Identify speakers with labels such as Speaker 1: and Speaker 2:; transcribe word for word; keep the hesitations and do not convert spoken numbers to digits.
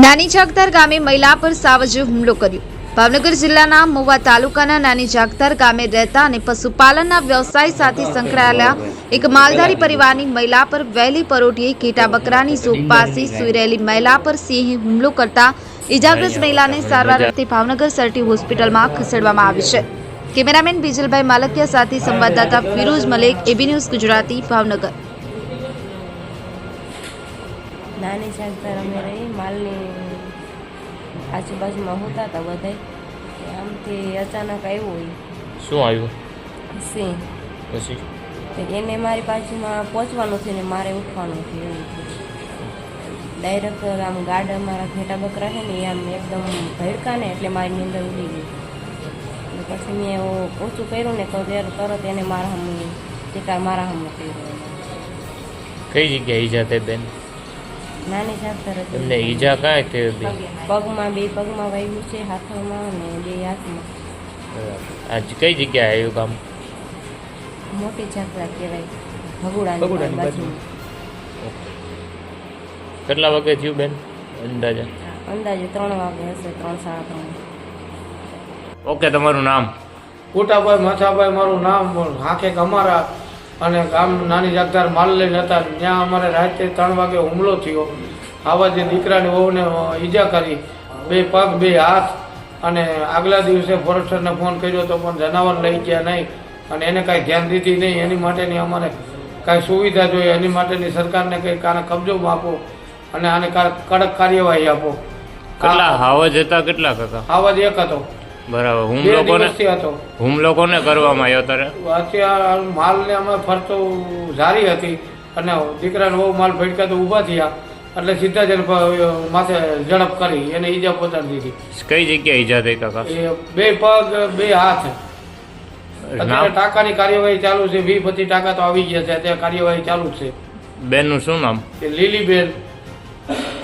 Speaker 1: નાની જાગતાર ગામે મહિલા પર સાવજે હુમલો કર્યો। ભાવનગર જિલ્લાના મહુવા તાલુકાના નાની જાગતાર ગામે રહેતા અને પશુપાલનના વ્યવસાય સાથે સંકળાયેલા એક માલધારી પરિવારની મહિલા પર વહેલી પરોઢિયે ઘેટા બકરાની ઝોપ પાસે સૂઈ રહેલી મહિલા પર સિંહે હુમલો કરતા ઇજાગ્રસ્ત મહિલાને સારવાર અર્થે ભાવનગર સરટી હોસ્પિટલમાં ખસેડવામાં આવી છે। કેમેરામેન બીજલભાઈ માલકિયા સાથે સંવાદદાતા ફિરોઝ મલેક, એબી ન્યૂઝ ગુજરાતી, ભાવનગર।
Speaker 2: નાની જાગતાર અમે રહી માલની આજુબાજુમાં હોતા હતા બધા, આમથી અચાનક આવ્યો હોય
Speaker 3: શું આવ્યું
Speaker 2: સિંહ,
Speaker 3: પછી
Speaker 2: તો એને મારી બાજુમાં પહોંચવાનું થયું ને મારે ઉઠવાનું થયું એવું થયું। ડાયરેક્ટ આમ ગાડ અમારા ઘેટા બકરા છે ને એ આમ એકદમ ભડકા ને એટલે મારી નીંદર ઉડી ગઈ। એટલે પછી મેં ઓછું કર્યું ને તો તરત એને મારા હમ ચિકાર મારા હમ કર્યો।
Speaker 3: કઈ જગ્યાએ ઈજા થઈ બેન?
Speaker 2: નાની જાગતાર હતી।
Speaker 3: એમને ઈજા કાંઈ થઈ હતી?
Speaker 2: પગમાં બે પગમાં વાગ્યું છે, હાથમાં ને બે હાથમાં।
Speaker 3: આજ કઈ જગ્યાએ આવ્યું કામ?
Speaker 2: મોટી જાગતાર કહેવાય, ભગુડાની બાજુ।
Speaker 3: કેટલા વાગે થયું બેન અંદાજે?
Speaker 2: અંદાજે ત્રણ વાગે હશે, ત્રણ સાડા ત્રણ।
Speaker 3: ઓકે, તમારું નામ?
Speaker 4: કોટાભાઈ માથાભાઈ મારું નામ। હાંખે અમારા અને ગામ નાની જાગતાર માલ લઈને હતા, ત્યાં અમારે રાતે ત્રણ વાગે હુમલો થયો। આવા જે દીકરાની વહુને ઈજા કરી, બે પગ બે હાથ, અને આગલા દિવસે ફોરેસ્ટરને ફોન કર્યો તો પણ જનાવર લઈ ગયા નહીં અને એને કાંઈ ધ્યાન દીધી નહીં। એની માટેની અમારે કાંઈ સુવિધા જોઈએ, એની માટેની સરકારને કંઈક આને કબજો આપો અને આને કડક કાર્યવાહી આપો।
Speaker 3: કેટલા હાવજ હતા? કેટલા કાકા?
Speaker 4: આવાજ એક હતો,
Speaker 3: બરાબર।
Speaker 4: બે
Speaker 3: હુમલો કોને
Speaker 4: દિવસથી હતો।
Speaker 3: હુમલો કોને કરવામાં આવ્યો ત્યારે?
Speaker 4: અત્યારે માલને અમે ફરતો જારી હતી અને દીકરાને બહુ માલ ભટકા તો ઊભા થયા એટલે સીધા જ એને માથે ઝડપ કરી એને ઈજા પહોંચાડી દીધી।
Speaker 3: કઈ જગ્યાએ ઈજા થઈ કાકા?
Speaker 4: એ બે પગ બે હાથ। અત્યારે
Speaker 3: નામ?
Speaker 4: ટાંકાની કાર્યવાહી ચાલુ છે, વીસ પચીસ ટાંકા તો આવી ગયા છે, અત્યારે કાર્યવાહી ચાલુ છે।
Speaker 3: બેનનું શું નામ?
Speaker 4: એ લીલીબેન